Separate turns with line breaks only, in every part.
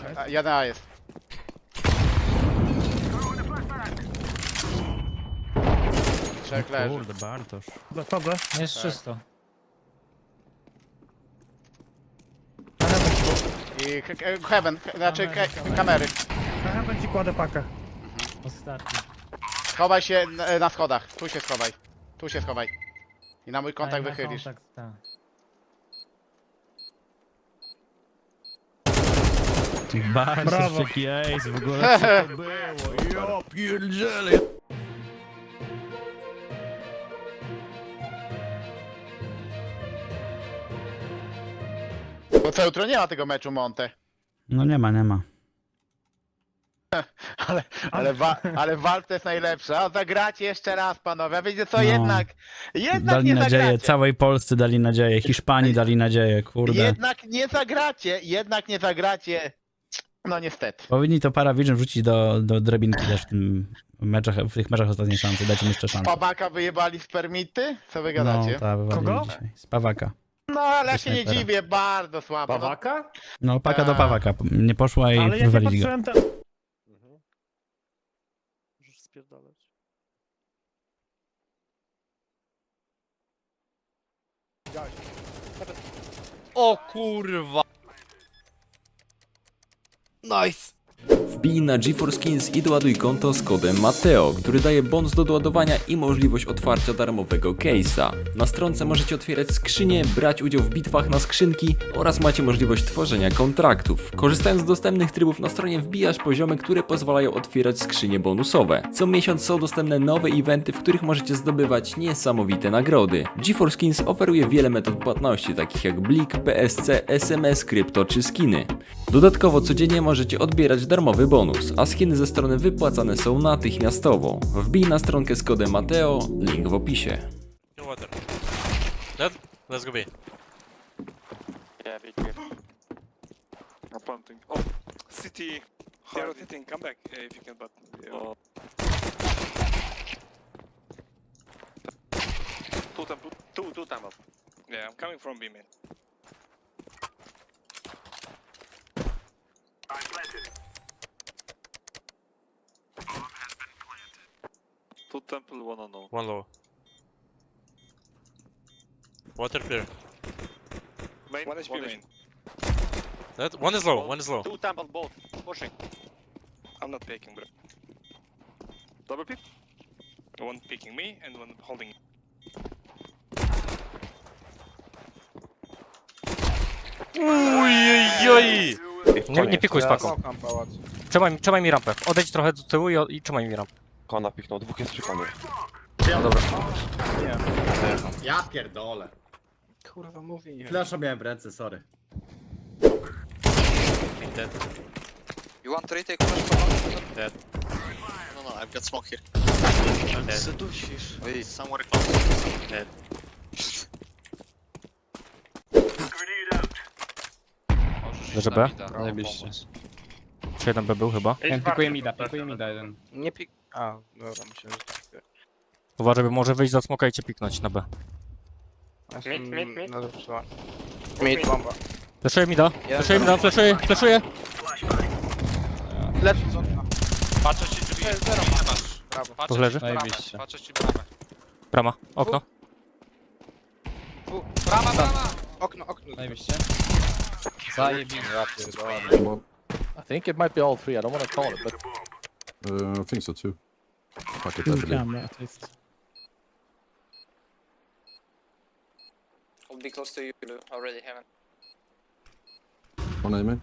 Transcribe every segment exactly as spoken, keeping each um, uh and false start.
A, jeden A jest. Trzech leży.
Kurde, Bartosz.
Zachodzę.
Jest czysto.
I k- k- heaven, k- znaczy k- kamery.
Aha, będzie kładę pakę.
Ostatni.
Schowaj się na, na schodach. Tu się schowaj. Tu się schowaj. I na mój kontakt
Daj na
wychylisz.
kontakt, tak.
Bartosz,
Brawo.
jaki ace, w ogóle co to było? Ja pierdzielę.
Bo co jutro nie ma tego meczu Monte.
No nie ma, nie ma.
Ale, ale, wa, ale walka jest najlepsza. A zagracie jeszcze raz, panowie. A wiecie co,
No.
jednak, jednak
Dali
nie
nadzieję,
zagracie.
całej Polsce dali nadzieję, Hiszpanii dali nadzieję, kurde.
Jednak nie zagracie, jednak nie zagracie. No niestety.
Powinni to Paravision wrzucić do, do drabinki też w, tym meczach, w tych meczach ostatniej szansy, dajcie mi jeszcze szansę.
Pawaka wyjebali z permity? Co wy
No,
gadacie?
ta wywalili
Kogo?
dzisiaj. Z Pawaka.
No, ale ja się nie
Snajpera.
dziwię, bardzo słabo. No,
Pawaka?
No, paka do
A.
Pawaka. Nie poszła i
Ale jak nie
wywalili go.
patrzyłem, to...
Możesz spierdalać.
O kurwa. Nice.
Wbij na GeForce Skins i doładuj konto z kodem Mateo, który daje bonus do doładowania i możliwość otwarcia darmowego case'a. Na stronce możecie otwierać skrzynie, brać udział w bitwach na skrzynki oraz macie możliwość tworzenia kontraktów. Korzystając z dostępnych trybów na stronie wbijasz poziomy, które pozwalają otwierać skrzynie bonusowe. Co miesiąc są dostępne nowe eventy, w których możecie zdobywać niesamowite nagrody. GeForce Skins oferuje wiele metod płatności, takich jak Blik, P S C, S M S, krypto czy skiny. Dodatkowo codziennie możecie odbierać darmowy bonus, a skiny ze strony wypłacane są natychmiastowo. Wbij na stronkę z kodem Mateo, link w opisie.
Water. Dead? Let's go B.
Yeah, big clear. I'm planting. Oh, city. They're rotating. Come back uh, if you can, but. Yeah. Oh. Two temple. Two, two temple. Yeah, I'm coming from B, man. Two temple, one on no.
One low. Water clear.
Main, one H P main.
Dead? One is low, one is low.
Two temple, both. Pushing. I'm not peeking, bro. Double pick. One picking me and one holding.
Ojej!
Nie, nie pikuj z paką. Trzymaj, trzymaj mi rampę. Odejdź trochę do tyłu i, i trzymaj mi rampę.
Kona piknął, dwóch jest przy konie.
No dobra.
Ja pierdolę.
Kurwa, mówi.
Flasza miałem w ręce, sorry.
Dead.
You want to retake flash for
Dead.
No, no, I've got smoke here.
Dead.
Sedusisz. Wait, somewhere close.
Dead.
Leży B?
Zajebiście.
Czy jeden B był chyba?
Pikuję mida, pikuję mida jeden.
Nie pik... A, dobra, myślałem, że...
Uważaj, bo może wyjść za smoka i cię piknąć na B.
Mid, mid, mid. No dobrze, mid, bomba.
Fleszuję mi da, fleszuję mi da, fleszuję, fleszuję.
Patrzę ci drzwi. Zero masz. Brawo.
To leży?
Zajebiście.
Patrzę ci bramę.
Brama, okno.
Brama, brama! Okno, okno.
Zajebiście. Zajebiście. Ja pierdolę.
I think it might be all three, I don't want to call it, but...
Uh, I think so too. Fuck it, I
Two
believe.
camera at least.
I'll be close to you, already heaven.
One aiming.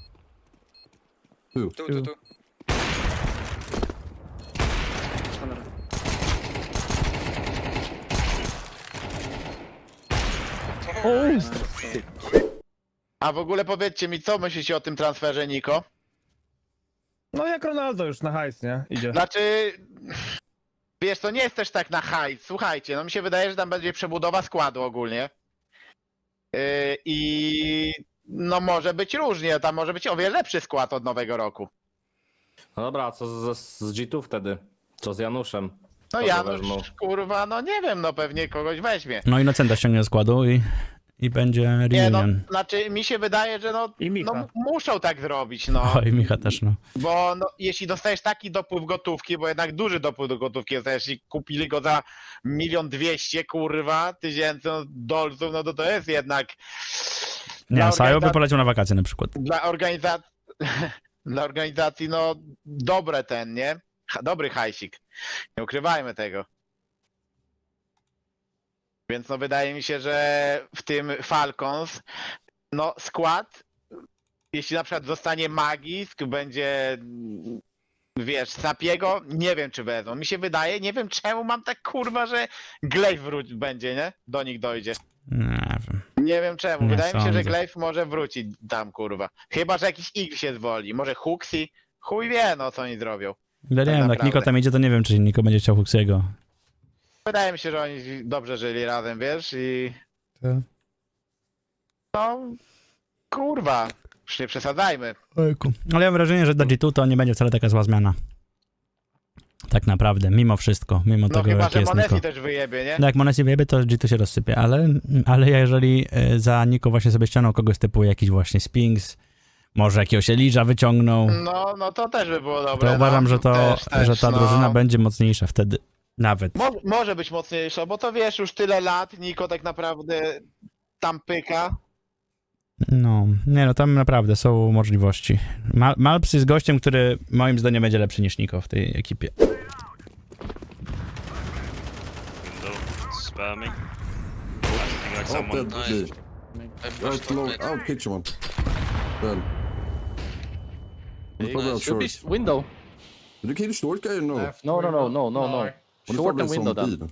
Two.
Two, two, two.
A w ogóle powiedzcie mi, co myślicie o tym transferze, Niko?
No jak Ronaldo już na hajs, nie? Idzie.
Znaczy, wiesz, to nie jest też tak na hajs. Słuchajcie, no mi się wydaje, że tam będzie przebudowa składu ogólnie. Yy, I no może być różnie, tam może być o wiele lepszy skład od nowego roku.
No dobra, a co z, z G two wtedy? Co z Januszem?
No
Kogo
Janusz,
wezmą?
kurwa, no nie wiem, no pewnie kogoś weźmie.
No Inocenta ściągnie do składu i i będzie
Nie no,
reunion.
znaczy mi się wydaje, że no,
I Micha.
no muszą tak zrobić, no.
Oj, Micha też, no.
Bo no, jeśli dostajesz taki dopływ gotówki, bo jednak duży dopływ do gotówki dostajesz i kupili go za milion dwieście, kurwa, tysięcy no, dolców, no to to jest jednak...
Nie,
Dla
Sajo by
organiza-
poleciał na wakacje na przykład.
Dla organizacji, dla organizacji, no dobre ten, nie? Ha, dobry hajsik. Nie ukrywajmy tego. Więc no wydaje mi się, że w tym Falcons, no skład, jeśli na przykład zostanie Magisk, będzie, mm, wiesz, Sapiego, nie wiem czy wezmą. Mi się wydaje, nie wiem czemu mam tak kurwa, że Glaive wróci będzie, nie? Do nich dojdzie.
Nie wiem.
Nie wiem czemu.
Nie
Wydaje mi się, że
sądzę.
Glaive może wrócić tam, kurwa. Chyba, że jakiś X się zwoli. Może Huxi. Chuj wie, no co oni zrobią.
Ja nie wiem, jak
naprawdę.
Niko tam idzie, to nie wiem, czy Niko będzie chciał Huxiego.
Wydaje mi się, że oni dobrze żyli razem, wiesz, i...
Tak.
No... Kurwa. Już nie przesadzajmy.
Ale ja mam wrażenie, że dla G dwa to nie będzie wcale taka zła zmiana. Tak naprawdę, mimo wszystko, mimo
No
tego,
chyba,
jaki
że
jest
Monesi
Niko.
też wyjebie, nie?
No jak Monesi wyjebie, to G dwa się rozsypie, ale, ale jeżeli e, za Niko właśnie sobie ściągnął kogoś typu jakiś właśnie Spinks, może jakiegoś Eliża wyciągnął,
No, no to też by było dobre.
to uważam,
no.
że, to,
też, też,
że ta
no.
drużyna będzie mocniejsza wtedy. Nawet.
Mo może być mocniejsza, bo to wiesz, już tyle lat, Niko tak naprawdę tam pyka.
No, nie no, tam naprawdę są możliwości. Mal Malps jest gościem, który moim zdaniem będzie lepszy niż Niko w tej ekipie.
Spamming. Like
Oh,
someone.
dead, dead. Right, low. I'll pitch one. Dead. He's probably out
Should be
short.
window.
Did you kill the short guy or no?
No, no, no, no, no, no.
What if
Short
I
and
was
window
on
then.
B then?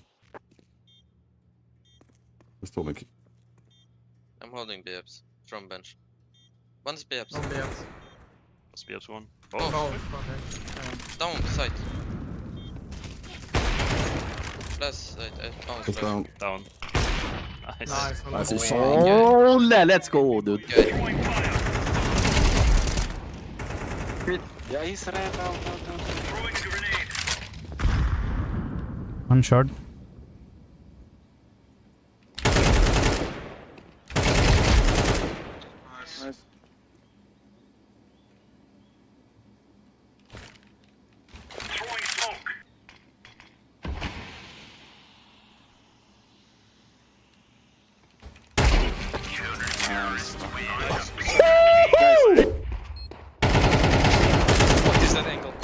Just told me.
I'm holding B Fs from bench. One's B Fs. Must be up to one. Oh, down side. Last side. Uh, oh,
Just down.
Down. Nice.
Nice.
Oh, let's go, dude.
Good.
Yeah, he's red out, out, out.
One short.
Nice. What is that angle?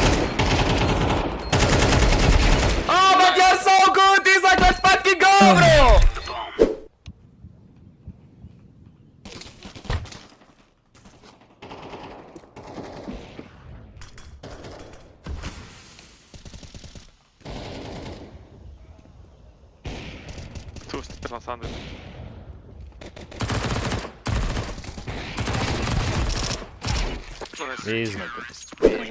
Oh, but you're so good! This like let's fucking go, bro!
Two stairs on Sunday.
Easy.